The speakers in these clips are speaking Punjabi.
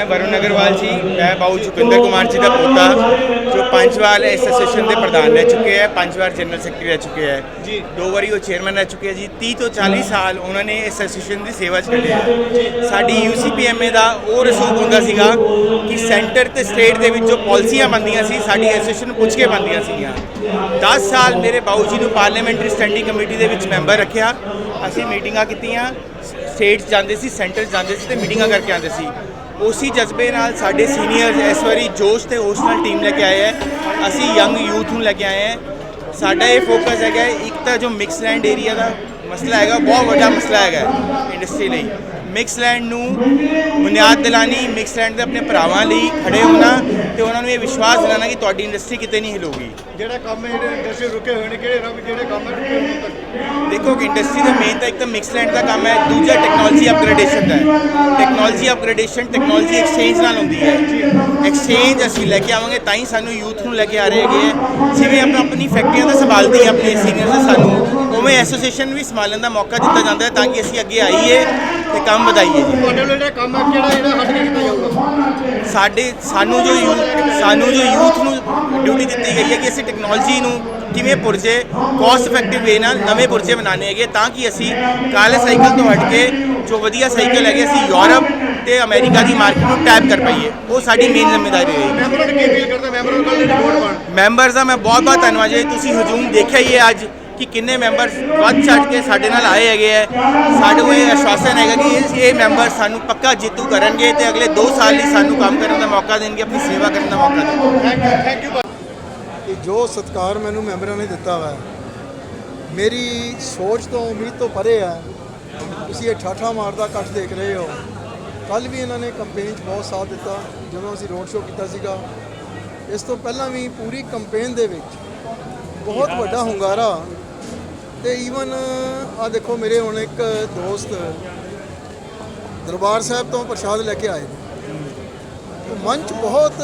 वरुण अग्रवाल जी, मैं बाबू जुपिंदर कुमार जी का पोता जो 5 बार एसोसीएशन के प्रधान रह चुके हैं, 5 बार जनरल सैकटरी रह चुके हैं जी, 2 बारी वो चेयरमैन रह चुके हैं जी। 30 ਤੋਂ 40 ਸਾਲ ਉਹਨਾਂ ਨੇ ਐਸੋਸੀਏਸ਼ਨ ਦੀ ਸੇਵਾ 'ਚ ਕੱਢੇ ਆ। ਸਾਡੀ UCPMA ਦਾ ਉਹ ਰਸੂਖ ਹੁੰਦਾ ਸੀਗਾ ਕਿ ਸੈਂਟਰ ਤੇ ਸਟੇਟ ਦੇ ਵਿੱਚ ਜੋ ਪਾਲਿਸੀਆਂ ਬਣਦੀਆਂ ਸੀ ਸਾਡੀ ਐਸੋਸੀਏਸ਼ਨ ਨੂੰ ਪੁੱਛ ਕੇ ਬਣਦੀਆਂ ਸੀਗੀਆਂ। 10 ਸਾਲ ਮੇਰੇ ਬਾਊ ਜੀ ਨੂੰ ਪਾਰਲੀਮੈਂਟਰੀ ਸਟੈਂਡਿੰਗ ਕਮੇਟੀ ਦੇ ਵਿੱਚ ਮੈਂਬਰ ਰੱਖਿਆ। ਅਸੀਂ ਮੀਟਿੰਗਾਂ ਕੀਤੀਆਂ, ਸਟੇਟ ਜਾਂਦੇ ਸੀ, ਸੈਂਟਰ ਜਾਂਦੇ ਸੀ ਤੇ ਮੀਟਿੰਗਾਂ ਕਰਕੇ ਆਉਂਦੇ ਸੀ। ਉसी ਜਜ਼ਬੇ ਨਾਲ ਸਾਡੇ ਸੀਨੀਅਰਸ ਇਸ ਵਾਰੀ ਜੋਸ਼ ਤੇ ਹੋਸ਼ ਨਾਲ ਟੀਮ ਲੈ ਕੇ ਆਏ ਹੈ। ਅਸੀਂ ਯੰਗ ਯੂਥ ਨੂੰ ਲੈ ਕੇ ਆਏ ਹੈ। ਸਾਡਾ ਇਹ ਫੋਕਸ ਹੈਗਾ ਇੱਕ ਤਾਂ ਜੋ ਮਿਕਸ ਲੈਂਡ ਏਰੀਆ ਦਾ ਮਸਲਾ ਹੈਗਾ, ਬਹੁਤ ਵੱਡਾ ਮਸਲਾ ਹੈਗਾ ਇੰਡਸਟਰੀ ਲਈ। ਮਿਕਸ ਲੈਂਡ ਨੂੰ ਬੁਨਿਆਦ ਦਿਲਾਣੀ, ਮਿਕਸ ਲੈਂਡ ਦੇ ਆਪਣੇ ਭਰਾਵਾਂ ਲਈ ਖੜੇ ਹੋਣਾ ਤੇ ਉਹਨਾਂ ਨੂੰ ਇਹ ਵਿਸ਼ਵਾਸ ਦਿਲਾਣਾ ਕਿ ਤੁਹਾਡੀ ਇੰਡਸਟਰੀ ਕਿਤੇ ਨਹੀਂ ਹਿਲੂਗੀ। ਜਿਹੜਾ ਕੰਮ ਹੈ ਇੰਡਸਟਰੀ ਰੁਕੇ ਹੋਏ ਨੇ ਜਿਹੜੇ ਕੰਮ ਰੁਕੇ ਹੋਏ ਨੇ, ਦੇਖੋ ਕਿ ਇੰਡਸਟਰੀ ਦਾ ਮੇਨ ਤਾਂ ਇੱਕ ਤਾਂ ਮਿਕਸ ਲੈਂਡ ਦਾ ਕੰਮ ਹੈ, ਦੂਜਾ ਟੈਕਨੋਲੋਜੀ ਅਪਗ੍ਰੇਡੇਸ਼ਨ ਦਾ ਹੈ। ਟੈਕਨੋਲੋਜੀ ਅਪਗ੍ਰੇਡੇਸ਼ਨ ਟੈਕਨੋਲੋਜੀ ਐਕਸਚੇਂਜ ਨਾਲ ਹੁੰਦੀ ਹੈ। ਐਕਸਚੇਂਜ ਅਸੀਂ ਲੈ ਕੇ ਆਵਾਂਗੇ ਤਾਂ ਹੀ ਸਾਨੂੰ ਯੂਥ ਨੂੰ ਲੈ ਕੇ ਆ ਰਹੇ ਹੈਗੇ ਹੈ। ਜਿਵੇਂ ਆਪਣੀ ਫੈਕਟਰੀਆਂ ਦਾ ਸੰਭਾਲਦੀ ਹੈ ਆਪਣੇ ਸੀਨੀਅਰਸ ਨੇ ਸਾਨੂੰ, ਉਵੇਂ ਐਸੋਸੀਏਸ਼ਨ ਵੀ ਸੰਭਾਲਣ ਦਾ ਮੌਕਾ ਦਿੱਤਾ ਜਾਂਦਾ ਹੈ ਤਾਂ ਕਿ ਅਸੀਂ ਅੱਗੇ ਆਈਏ ਤੇ ਕੰਮ ਵਧਾਈਏ ਜੀ। ਤੁਹਾਡੇ ਵੱਲੋਂ ਜਿਹੜਾ ਕੰਮ ਹੈ ਜਿਹੜਾ ਹੱਟ ਕੇ ਕੀਤਾ ਜਾਊਗਾ? ਸਾਨੂੰ ਜੋ ਯੂਥ ਨੂੰ ਡਿਊਟੀ ਦਿੱਤੀ ਗਈ ਹੈ ਕਿ ਅਸੀਂ ਟੈਕਨੋਲੋਜੀ ਨੂੰ ਕਿਵੇਂ ਪੁਰਜੇ ਕੋਸਟ ਇਫੈਕਟਿਵ ਵੇ ਨਾਲ ਨਵੇਂ ਪੁਰਜੇ ਬਣਾਉਣੇ ਹੈਗੇ ਤਾਂ ਕਿ ਅਸੀਂ ਕਾਲੇ ਸਾਈਕਲ ਤੋਂ ਹਟ ਕੇ ਜੋ ਵਧੀਆ ਸਾਈਕਲ ਹੈਗੇ ਅਸੀਂ ਯੂਰਪ ਤੇ ਅਮਰੀਕਾ ਦੀ ਮਾਰਕੀਟ ਨੂੰ ਟੈਪ ਕਰ ਪਾਈਏ। ਉਹ ਸਾਡੀ ਮੇਨ ਜ਼ਿੰਮੇਵਾਰੀ ਰਹੇਗੀ। ਮੈਂਬਰਾਂ ਨੂੰ ਕੀ ਅਪੀਲ ਕਰਦਾ ਮੈਂਬਰਾਂ ਨੂੰ ਰਿਪੋਰਟ ਬਣ ਮੈਂਬਰਸ ਦਾ ਮੈਂ ਬਹੁਤ ਬਹੁਤ ਧੰਨਵਾਦ ਜੀ। ਤੁਸੀਂ ਹਜੂਮ ਦੇਖਿਆ ਹੀ ਹੈ ਅੱਜ ਕਿ ਕਿੰਨੇ ਮੈਂਬਰ ਵੱਧ ਚੜ੍ਹ ਕੇ ਸਾਡੇ ਨਾਲ ਆਏ ਹੈਗੇ ਹੈ। ਸਾਨੂੰ ਇਹ ਆਸ਼ਵਾਸਨ ਹੈਗਾ ਕਿ ਇਹ ਮੈਂਬਰ ਸਾਨੂੰ ਪੱਕਾ ਜੇਤੂ ਕਰਨਗੇ ਤੇ ਅਗਲੇ 2 ਸਾਲ ਲਈ ਸਾਨੂੰ ਕੰਮ ਕਰਨ ਦਾ ਮੌਕਾ ਦੇਣਗੇ, ਆਪਣੀ ਸੇਵਾ ਕਰਨ ਦਾ ਮੌਕਾ ਦੇਣਗੇ। Thank you. ਜੋ ਸਤਿਕਾਰ ਮੈਨੂੰ ਮੈਂਬਰਾਂ ਨੇ ਦਿੱਤਾ ਵਾ ਮੇਰੀ ਸੋਚ ਤੋਂ ਉਮੀਦ ਤੋਂ ਪਰੇ ਹੈ। ਤੁਸੀਂ ਇਹ ਠਾਠਾ ਮਾਰਦਾ ਇਕੱਠ ਦੇਖ ਰਹੇ ਹੋ। ਕੱਲ੍ਹ ਵੀ ਇਹਨਾਂ ਨੇ ਕੰਪੇਨ 'ਚ ਬਹੁਤ ਸਾਥ ਦਿੱਤਾ ਜਦੋਂ ਅਸੀਂ ਰੋਡ ਸ਼ੋਅ ਕੀਤਾ ਸੀਗਾ। ਇਸ ਤੋਂ ਪਹਿਲਾਂ ਵੀ ਪੂਰੀ ਕੰਪੇਨ ਦੇ ਵਿੱਚ ਬਹੁਤ ਵੱਡਾ ਹੁੰਗਾਰਾ ਤੇ ਈਵਨ ਆ ਦੇਖੋ ਮੇਰੇ ਹੁਣ ਇੱਕ ਦੋਸਤ ਦਰਬਾਰ ਸਾਹਿਬ ਤੋਂ ਪ੍ਰਸ਼ਾਦ ਲੈ ਕੇ ਆਏ ਤੇ ਮਨ 'ਚ ਬਹੁਤ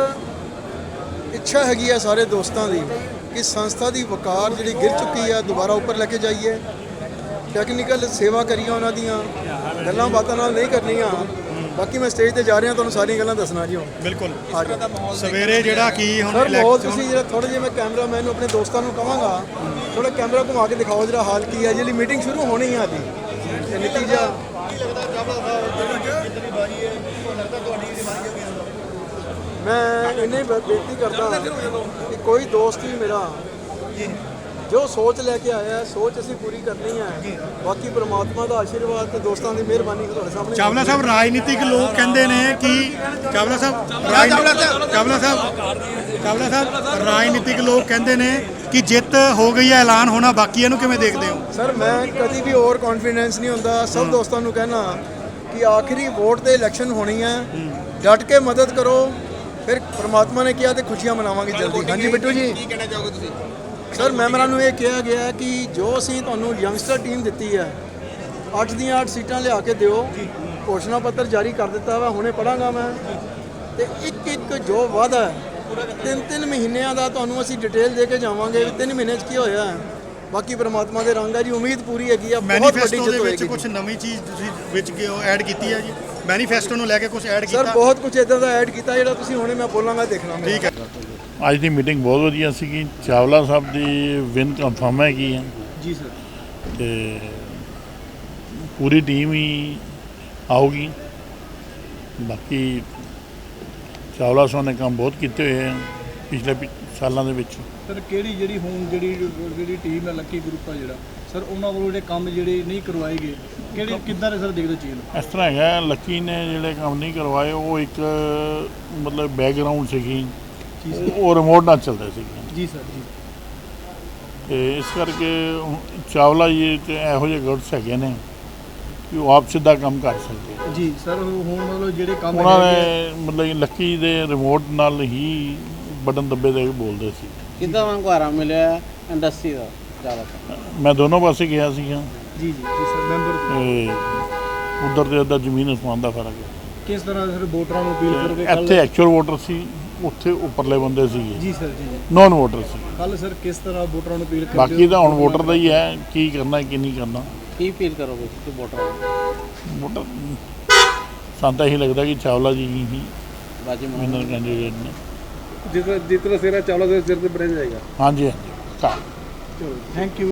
ਇੱਛਾ ਹੈਗੀ ਆ ਸਾਰੇ ਦੋਸਤਾਂ ਦੀ ਕਿ ਸੰਸਥਾ ਦੀ ਵਕਾਰ ਜਿਹੜੀ ਗਿਰ ਚੁੱਕੀ ਆ ਦੁਬਾਰਾ ਉੱਪਰ ਲੈ ਕੇ ਜਾਈਏ। ਟੈਕਨੀਕਲ ਸੇਵਾ ਕਰੀਆਂ ਉਹਨਾਂ ਦੀਆਂ ਗੱਲਾਂ ਬਾਤਾਂ ਨਾਲ ਨਹੀਂ ਕਰਨੀਆਂ। ਬਾਕੀ ਮੈਂ ਸਟੇਜ ਤੇ ਜਾ ਰਿਹਾ ਤੁਹਾਨੂੰ ਸਾਰੀਆਂ ਗੱਲਾਂ ਦੱਸਣਾ ਜੀ ਹੁਣ। ਬਿਲਕੁਲ ਸਵੇਰੇ ਜਿਹੜਾ ਕੀ ਹੁਣ ਸਰ ਬਹੁਤ ਤੁਸੀਂ ਜਿਹੜਾ ਥੋੜਾ ਜਿਹਾ ਮੈਂ ਕੈਮਰਾਮੈਨ ਨੂੰ ਆਪਣੇ ਦੋਸਤਾਂ ਨੂੰ ਕਹਾਂਗਾ ਥੋੜਾ ਕੈਮਰਾ ਘੁਮਾ ਕੇ ਦਿਖਾਓ ਜਿਹੜਾ ਹਾਲ ਕੀ ਹੈ। ਜਿਹੜੀ ਮੀਟਿੰਗ ਸ਼ੁਰੂ ਹੋਣੀ ਹੈ ਜੀ ਤੇ ਨਤੀਜਾ ਕੀ ਲੱਗਦਾ ਚਾਵਲਾ ਸਾਹਿਬ ਜਿੰਨੀ ਬਾਜੀ ਹੈ ਲੱਗਦਾ ਤੁਹਾਡੀ ਬਾਜੀ ਹੋਗੀ। ਮੈਂ ਇੰਨੀ ਬੇਨਤੀ ਕਰਦਾ ਕਿ ਕੋਈ ਦੋਸਤ ਵੀ ਮੇਰਾ ਜੋ ਸੋਚ ਲੈ ਕੇ ਆਇਆ ਸੋਚ ਅਸੀਂ ਪੂਰੀ ਕਰਨੀ ਹੈ। ਬਾਕੀ ਪ੍ਰਮਾਤਮਾ ਦਾ ਆਸ਼ੀਰਵਾਦ ਤੇ ਦੋਸਤਾਂ ਦੀ ਮਿਹਰਬਾਨੀ ਤੁਹਾਡੇ ਸਾਹਮਣੇ। ਚਾਵਲਾ ਸਾਹਿਬ ਰਾਜਨੀਤਿਕ ਲੋਕ ਕਹਿੰਦੇ ਨੇ ਕਿ ਚਾਵਲਾ ਸਾਹਿਬ ਰਾਜਨੀਤਿਕ ਲੋਕ ਕਹਿੰਦੇ ਨੇ ਕਿ ਜਿੱਤ ਹੋ ਗਈ ਹੈ, ਐਲਾਨ ਹੋਣਾ ਬਾਕੀ, ਇਹਨੂੰ ਕਿਵੇਂ ਦੇਖਦੇ ਹੋ? ਸਰ ਮੈਂ ਕਦੀ ਵੀ ਓਵਰ ਕੌਨਫੀਡੈਂਸ ਨਹੀਂ ਹੁੰਦਾ। ਸਭ ਦੋਸਤਾਂ ਨੂੰ ਕਹਿਣਾ ਕਿ ਆਖਰੀ ਵੋਟ ਤੇ ਇਲੈਕਸ਼ਨ ਹੋਣੀ ਹੈ, ਡਟ ਕੇ ਮਦਦ ਕਰੋ। ਫਿਰ ਪ੍ਰਮਾਤਮਾ ਨੇ ਕਿਹਾ ਤੇ ਖੁਸ਼ੀਆਂ ਮਨਾਵਾਂਗੇ ਜਲਦੀ। ਹਾਂਜੀ ਬਿੱਟੂ ਜੀ ਕੀ ਕਹਿਣਾ ਚਾਹੋਗੇ ਤੁਸੀਂ? ਸਰ ਮੈਂਬਰਾਂ ਨੂੰ ਇਹ ਕਿਹਾ ਗਿਆ ਕਿ ਜੋ ਅਸੀਂ ਤੁਹਾਨੂੰ ਯੰਗਸਟਰ ਟੀਮ ਦਿੱਤੀ ਹੈ 8 ਦੀਆਂ 8 ਸੀਟਾਂ ਲਿਆ ਕੇ ਦਿਓ। ਘੋਸ਼ਣਾ ਪੱਤਰ ਜਾਰੀ ਕਰ ਦਿੱਤਾ ਵਾ, ਹੁਣੇ ਪੜਾਂਗਾ ਮੈਂ ਤੇ ਇੱਕ ਜੋ ਵਾਅਦਾ ਹੈ 3 ਮਹੀਨਿਆਂ ਦਾ ਤੁਹਾਨੂੰ ਅਸੀਂ ਡਿਟੇਲ ਦੇ ਕੇ ਜਾਵਾਂਗੇ। 3 ਮਹੀਨੇ 'ਚ ਕੀ ਹੋਇਆ ਬਾਕੀ ਪ੍ਰਮਾਤਮਾ ਦੇ ਰੰਗ ਹੈ ਜੀ। ਉਮੀਦ ਪੂਰੀ ਹੈਗੀ ਆ, ਬਹੁਤ ਵੱਡੀ ਜਿੱਤ ਹੋਏਗੀ। ਕੁਝ ਨਵੀਂ ਚੀਜ਼ ਤੁਸੀਂ ਵਿੱਚ ਐਡ ਕੀਤੀ ਹੈ ਜੀ? ਮੈਨੀਫੈਸਟੋ ਨੂੰ ਲੈ ਕੇ ਕੁਝ ਐਡ ਕੀਤਾ? ਸਰ ਬਹੁਤ ਕੁਝ ਇਦਾਂ ਦਾ ਐਡ ਕੀਤਾ ਜਿਹੜਾ ਤੁਸੀਂ ਹੁਣੇ ਮੈਂ ਬੋਲਾਂਗਾ ਦੇਖਣਾ। ਠੀਕ ਹੈ। ਅੱਜ ਦੀ ਮੀਟਿੰਗ ਬਹੁਤ ਵਧੀਆ ਸੀਗੀ। ਚਾਵਲਾ ਸਾਹਿਬ ਦੀ ਵਿਨ ਕਨਫਰਮ ਹੈਗੀ ਹੈ ਜੀ ਸਰ ਤੇ ਪੂਰੀ ਟੀਮ ਹੀ ਆਊਗੀ। ਬਾਕੀ ਚਾਵਲਾ ਸਾਹਿਬ ਨੇ ਕੰਮ ਬਹੁਤ ਕੀਤੇ ਹੋਏ ਆ ਪਿਛਲੇ ਸਾਲਾਂ ਦੇ ਵਿੱਚ। ਸਰ ਕਿਹੜੀ ਜਿਹੜੀ ਹੁਣ ਜਿਹੜੀ ਟੀਮ ਹੈ ਲੱਕੀ ਗਰੁੱਪ ਆ ਜਿਹੜਾ ਸਰ ਉਹਨਾਂ ਵੱਲੋਂ ਜਿਹੜੇ ਕੰਮ ਜਿਹੜੇ ਨਹੀਂ ਕਰਵਾਏ ਗਏ ਕਿਹੜੇ ਕਿੱਦਾਂ ਦੇ ਸਰ ਦੇਖਦੇ ਚੀਜ਼ ਨੂੰ? ਇਸ ਤਰ੍ਹਾਂ ਹੈਗਾ, ਲੱਕੀ ਨੇ ਜਿਹੜੇ ਕੰਮ ਨਹੀਂ ਕਰਵਾਏ ਉਹ ਇੱਕ ਮਤਲਬ ਬੈਕਗਰਾਊਂਡ ਸੀਗੀ, ਉਹ ਰਿਮੋਟ ਨਾਲ ਚੱਲਦੇ ਸੀਗੇ ਜੀ ਸਰ ਜੀ। ਤੇ ਇਸ ਕਰਕੇ ਚਾਵਲਾ ਜੀ ਤੇ ਇਹੋ ਜਿਹੇ ਗੁੱਟਸ ਹੈਗੇ ਨੇ ਕਿ ਉਹ ਆਪ ਸਿੱਧਾ ਕੰਮ ਕਰ ਸਕਦੇ ਜੀ ਸਰ। ਹੁਣ ਮਤਲਬ ਜਿਹੜੇ ਕੰਮ ਉਹਨਾਂ ਨੇ ਮਤਲਬ ਲੱਕੀ ਦੇ ਰਿਮੋਟ ਨਾਲ ਹੀ ਬਟਨ ਦੱਬੇ ਦੇ ਬੋਲਦੇ ਸੀ। ਕਿੱਦਾਂ ਵਾਂਗੂ ਆਰਾਮ ਮਿਲਿਆ ਇੰਡਸਟਰੀ ਦਾ ਜ਼ਿਆਦਾ? ਮੈਂ ਦੋਨੋਂ ਪਾਸੇ ਗਿਆ ਸੀਗਾ ਜੀ ਸਰ। ਮੈਂਬਰ ਉਧਰ ਤੇ ਉੱਧਰ ਜ਼ਮੀਨ ਅਸਮਾਨ ਦਾ ਫਰਕ ਹੈ। ਕਿਸ ਤਰ੍ਹਾਂ ਸਰ ਵੋਟਰਾਂ ਨੂੰ ਅਪੀਲ ਕਰੋਗੇ? ਇੱਥੇ ਐਕਚੁਅਲ ਵੋਟਰ ਸੀ, ਉੱਥੇ ਉੱਪਰਲੇ ਬੰਦੇ ਸੀਗੇ ji sir ji. Non voter ਸੀ। ਕੱਲ ਸਰ ਕਿਸ ਤਰ੍ਹਾਂ ਵੋਟਰਾਂ ਨੂੰ ਅਪੀਲ ਕਰਦੇ? ਬਾਕੀ ਤਾਂ ਹੁਣ ਵੋਟਰ ਦਾ ਹੀ ਹੈ ਕੀ ਕਰਨਾ ਕੀ ਨਹੀਂ ਕਰਨਾ। ਕੀ ਅਪੀਲ ਕਰੋਗੇ ਤੁਸੀਂ ਵੋਟਰਾਂ ਨੂੰ? ਵੋਟਰ ਸਾਨੂੰ ਤਾਂ ਇਹੀ ਲੱਗਦਾ ਕਿ ਚਾਵਲਾ ਜੀ ਹੀ बाजी ਵਿਨਰ ਕੈਂਡੀਡੇਟ ਨੇ। ਜਿਸ ਤਰ੍ਹਾਂ ਸਿਰਾ ਚਾਵਲਾ ਦੇ ਸਿਰ ਤੇ ਬਣਿਆ ਜਾਏਗਾ। ਹਾਂਜੀ ਹਾਂਜੀ। ਚਲੋ ਥੈਂਕ ਯੂ।